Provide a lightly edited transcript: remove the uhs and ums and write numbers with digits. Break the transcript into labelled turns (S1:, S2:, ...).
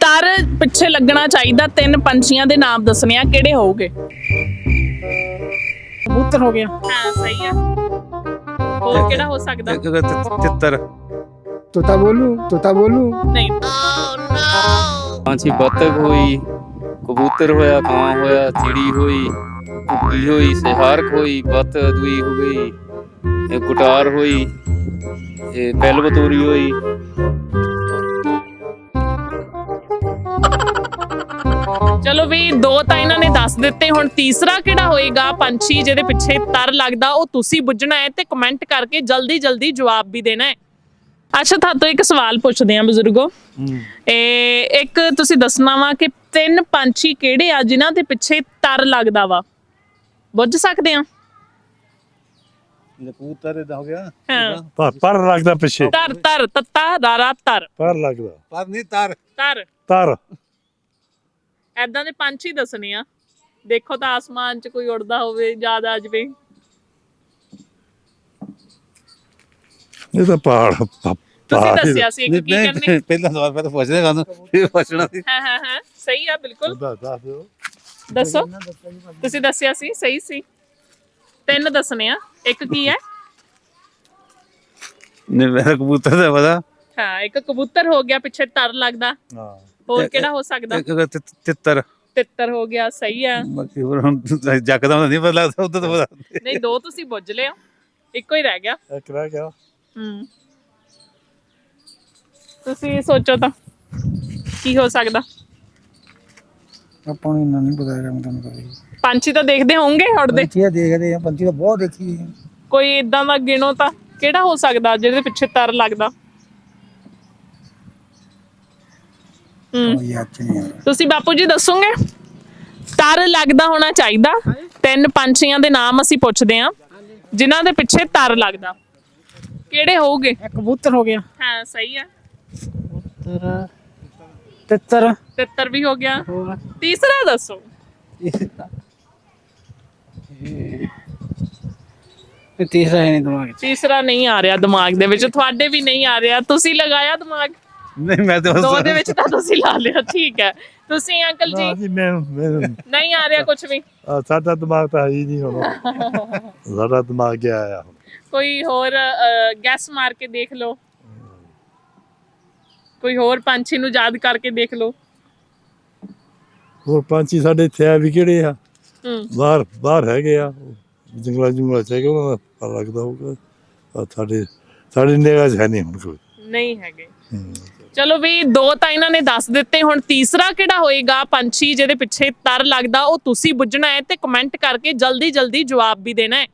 S1: ਤਰ ਪਿੱਛੇ ਲੱਗਣਾ ਚਾਹੀਦਾ। ਤਿੰਨ ਪੰਛੀਆਂ ਦੇ ਨਾਮ ਦੱਸਣੇ ਆ, ਕਿਹੜੇ ਹੋਊਗੇ?
S2: कबूतर हो गया,
S1: ਹਾਂ ਸਹੀ ਆ। ਹੋਰ ਕਿਹੜਾ ਹੋ ਸਕਦਾ?
S3: तितर
S2: तोता बोलू
S1: ਨਹੀਂ।
S4: ਪੰਛੀ ਬੱਤਖ ਹੋਈ, ਕਬੂਤਰ ਹੋਇਆ, ਕਾਂ ਹੋਇਆ, ਚਿੜੀ ਹੋਈ, ਕੁੱਕੀ ਹੋਈ, ਸਿਹਾਰਕ ਹੋਈ, ਬੱਤ ਦੂਈ ਹੋ ਗਈ, ਇਹ ਗੁਟਾਰ ਹੋਈ, ਇਹ ਬੈਲਬਤੂਰੀ ਹੋਈ।
S1: ਚਲੋ ਵੀ ਦੋ ਤਾਂ ਇਹਨਾਂ ਨੇ ਦੱਸ ਦਿੱਤੇ। ਹੁਣ ਤੀਸਰਾ ਕਿਹੜਾ ਹੋਏਗਾ ਪੰਛੀ ਜਿਹਦੇ ਪਿੱਛੇ ਤਰ ਲੱਗਦਾ, ਉਹ ਤੁਸੀਂ ਬੁੱਝਣਾ ਹੈ ਤੇ ਕਮੈਂਟ ਕਰਕੇ ਜਲਦੀ ਜਲਦੀ ਜਵਾਬ ਵੀ ਦੇਣਾ ਹੈ। ਅੱਛਾ, ਤੁਹਾਤੋਂ ਇੱਕ ਸਵਾਲ ਪੁੱਛਦੇ ਆ ਬਜ਼ੁਰਗੋ। ਇੱਕ ਤੁਸੀਂ ਦੱਸਣਾ ਵਾ ਕਿ ਤਿੰਨ ਪੰਛੀ ਕਿਹੜੇ ਆ ਜਿਨ੍ਹਾਂ ਦੇ ਪਿੱਛੇ ਤਰ ਲੱਗਦਾ ਵਾ? ਬੁੱਝ ਸਕਦੇ ਆ?
S3: कबूतर हो गया
S1: ਹਾਂ।
S5: ਪਰ ਲੱਗਦਾ ਪਿੱਛੇ
S1: ਤਰ ਤਰ ਤੱਤਾ ਰਾਰਾ ਤਰ
S5: ਪਰ ਲੱਗਦਾ
S3: पर नहीं तार
S1: ਤਰ
S5: ਤਰ
S1: ਐਦਾਂ ਦੇ ਪੰਛੀ ਦੱਸਣੇ ਆ। ਦੇਖੋ ਤਾਂ ਆਸਮਾਨ 'ਚ ਕੋਈ ਉੜਦਾ ਹੋਵੇ, ਯਾਦ ਆ ਜਵੇ।
S5: ਇਹ ਤਾਂ ਪਹਾੜ
S1: ਤੁਸੀਂ ਦੱਸਿਆ ਸੀ ਇੱਕ, ਕੀ ਕਰਨੇ?
S3: पहला सवाल पे तो पूछने का फिर पूछना थी
S1: ਹਾਂ ਹਾਂ ਹਾਂ ਸਹੀ ਆ, ਬਿਲਕੁਲ।
S5: ਦੱਸ ਦਿਓ।
S1: ਦੱਸੋ, ਤੁਸੀਂ ਦੱਸਿਆ ਸੀ, ਸਹੀ ਸੀ। ਤਿੰਨ ਦੱਸਣੇ ਆ, ਇੱਕ ਕੀ ਹੈ?
S3: नहीं मेरा कबूतर था पता
S1: ਹਾਂ, ਇੱਕ ਕਬੂਤਰ ਹੋ ਗਿਆ, ਪਿੱਛੇ ਤਰ ਲੱਗਦਾ।
S5: ਹਾਂ
S1: ਹੋਰ ਕਿਹੜਾ ਹੋ ਸਕਦਾ?
S3: तितर
S1: ਤਿੱਤਰ ਹੋ ਗਿਆ, ਸਹੀ ਆ।
S3: बाकी जकदम नहीं पता लगता उधर तो पता
S1: ਨਹੀਂ, ਦੋ ਤੁਸੀਂ ਬੁੱਝ ਲਿਆ, ਇੱਕੋ ਹੀ ਰਹਿ ਗਿਆ।
S5: ਇੱਕ ਰਹਿ ਗਿਆ।
S1: ਤੁਸੀਂ ਸੋਚੋ ਤਾਂ ਕੀ ਹੋ ਸਕਦਾ?
S2: ਆਪਾਂ ਨੂੰ ਨਹੀਂ ਪਤਾ ਹੈਗਾ, ਮੈਂ ਤੁਹਾਨੂੰ ਕਹਾਂ
S1: ਪੰਛੀ ਤਾਂ ਦੇਖਦੇ ਹੋਵੋਗੇ ਉੜਦੇ।
S2: ਪੰਛੀ ਦੇਖਦੇ ਆ, ਪੰਛੀ ਤਾਂ ਬਹੁਤ ਦੇਖੀ ਹੈ।
S1: ਕੋਈ ਇਦਾਂ ਦਾ ਗਿਣੋ ਤਾਂ ਕਿਹੜਾ ਹੋ ਸਕਦਾ ਜਿਹਦੇ ਪਿੱਛੇ ਤਰ ਲੱਗਦਾ?
S2: ਕੋਈ ਯਾਦ ਚ ਨਹੀਂ ਆ ਰਿਹਾ।
S1: ਤੁਸੀਂ ਬਾਪੂ ਜੀ ਦੱਸੋਗੇ? ਤਰ ਲੱਗਦਾ ਹੋਣਾ ਚਾਹੀਦਾ। ਤਿੰਨ ਪੰਛੀਆਂ ਦੇ ਨਾਮ ਅਸੀਂ ਪੁੱਛਦੇ ਆ ਜਿਨ੍ਹਾਂ ਦੇ ਪਿੱਛੇ ਤਰ ਲੱਗਦਾ, ਕਿਹੜੇ ਹੋਊਗੇ?
S2: कबूतर हो गया,
S1: ਹਾਂ ਸਹੀ ਆ।
S2: तितर
S1: ਤਿੱਤਰ ਵੀ ਹੋ ਗਿਆ। ਤੀਸਰਾ ਦੱਸੋ।
S2: तीसरा है नहीं दिमाग च।
S1: ਤੀਸਰਾ ਨਹੀਂ ਆ ਰਿਹਾ ਦਿਮਾਗ ਦੇ ਵਿੱਚ, ਤੁਹਾਡੇ ਵੀ ਨਹੀਂ ਆ ਰਿਹਾ। ਤੁਸੀਂ ਲਗਾਇਆ ਦਿਮਾਗ?
S3: नहीं मैं तो
S1: ਦੋ ਦੇ ਵਿੱਚ ਤਾਂ ਤੁਸੀਂ ਲਾ ਲਿਆ, ਠੀਕ ਹੈ। ਤੁਸੀਂ ਅੰਕਲ
S5: ਨਾ
S1: ਜੀ?
S5: ਜੀ ਮੈਂ
S1: ਨਹੀਂ ਆ ਰਿਹਾ ਕੁਝ ਵੀ?
S5: ਸਾਡਾ ਦਿਮਾਗ ਤਾਂ ਹੈ ਹੀ ਨਹੀਂ ਹੁਣ। ਸਾਡਾ ਦਿਮਾਗ ਗਿਆ ਆ ਹੁਣ।
S1: ਕੋਈ ਹੋਰ ਗੈਸ ਮਾਰ ਕੇ ਦੇਖ ਲਓ, ਕੋਈ ਹੋਰ ਪੰਛੀ ਨੂੰ ਯਾਦ ਕਰਕੇ ਦੇਖ ਲਓ।
S5: ਹੋਰ ਪੰਛੀ ਸਾਡੇ ਇੱਥੇ ਆ ਵੀ ਕਿਹੜੇ ਆ?
S1: ਹੂੰ
S5: ਬਾਹਰ ਹੈਗੇ ਆ ਜੰਗਲਾਂ ਚ ਹੈਗੇ, ਉਹਨਾਂ ਦਾ ਪਤਾ ਲੱਗਦਾ ਹੋਊਗਾ। ਸਾਡੇ ਨਿਗਾਹ 'ਚ ਹੈ ਨਹੀਂ ਹੁਣ ਕੋਈ।
S1: ਨਹੀਂ ਹੈਗੇ। ਚਲੋ ਵੀ ਦੋ ਤਾਂ ਇਹਨਾਂ ਨੇ ਦੱਸ ਦਿੱਤੇ। ਹੁਣ ਤੀਸਰਾ ਕਿਹੜਾ ਹੋਏਗਾ ਪੰਛੀ ਜਿਹਦੇ ਪਿੱਛੇ ਤਰ ਲੱਗਦਾ, ਉਹ ਤੁਸੀਂ ਬੁੱਝਣਾ ਹੈ ਤੇ ਕਮੈਂਟ ਕਰਕੇ ਜਲਦੀ ਜਲਦੀ ਜਵਾਬ ਵੀ ਦੇਣਾ ਹੈ।